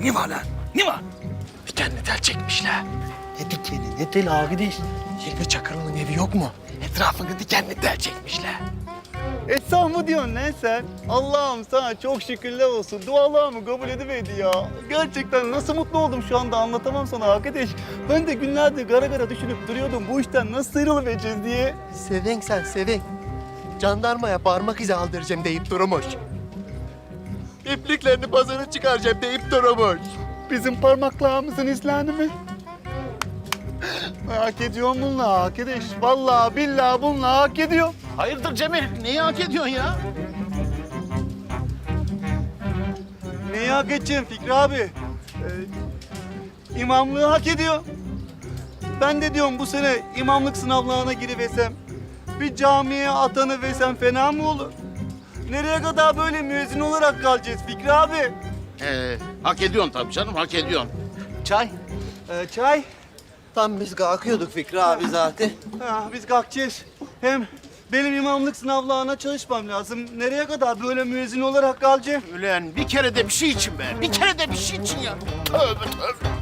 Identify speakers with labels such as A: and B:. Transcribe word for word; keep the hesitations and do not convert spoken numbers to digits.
A: Ne var lan? Ne var?
B: Dikenli tel çekmişler.
A: Ne dikeni, ne teli arkadaş?
B: Hilmi Çakırlı'nın evi yok mu? Etrafını dikenli tel çekmişler.
C: Esra mı diyorsun lan sen? Allah'ım sana çok şükürler olsun. Dualarımı kabul ediverdi ya. Gerçekten nasıl mutlu oldum şu anda anlatamam sana arkadaş. Ben de günlerdir gara gara düşünüp duruyordum bu işten nasıl sıyrılıvereceğiz diye.
B: Seven sen seven. Jandarmaya parmak izi aldıracağım deyip durmuş. İpliklerini pazara çıkaracağım deyip durmuş.
C: Bizim parmaklarımızın izlerini mi? Hak ediyorum bununla arkadaş. Vallahi billahi bununla hak ediyorum.
A: Hayırdır Cemil? Neyi hak ediyorsun ya?
C: Neyi hak edeceğim Fikri abi? Ee, imamlığı hak ediyor. Ben de diyorum bu sene imamlık sınavlarına giriversem, bir camiye atanıversem fena mı olur? Nereye kadar böyle müezzin olarak kalacağız Fikri abi?
A: Ee, hak ediyorsun tabii canım, hak ediyorsun.
C: Çay. Ee, çay.
D: Tam biz kalkıyorduk Fikri abi zaten.
C: Ha, biz kalkacağız. Hem benim imamlık sınavlarına çalışmam lazım. Nereye kadar böyle müezzin olarak kalacağım?
A: Ulan bir kere de bir şey için be. Bir kere de bir şey için ya. Tövbe tövbe.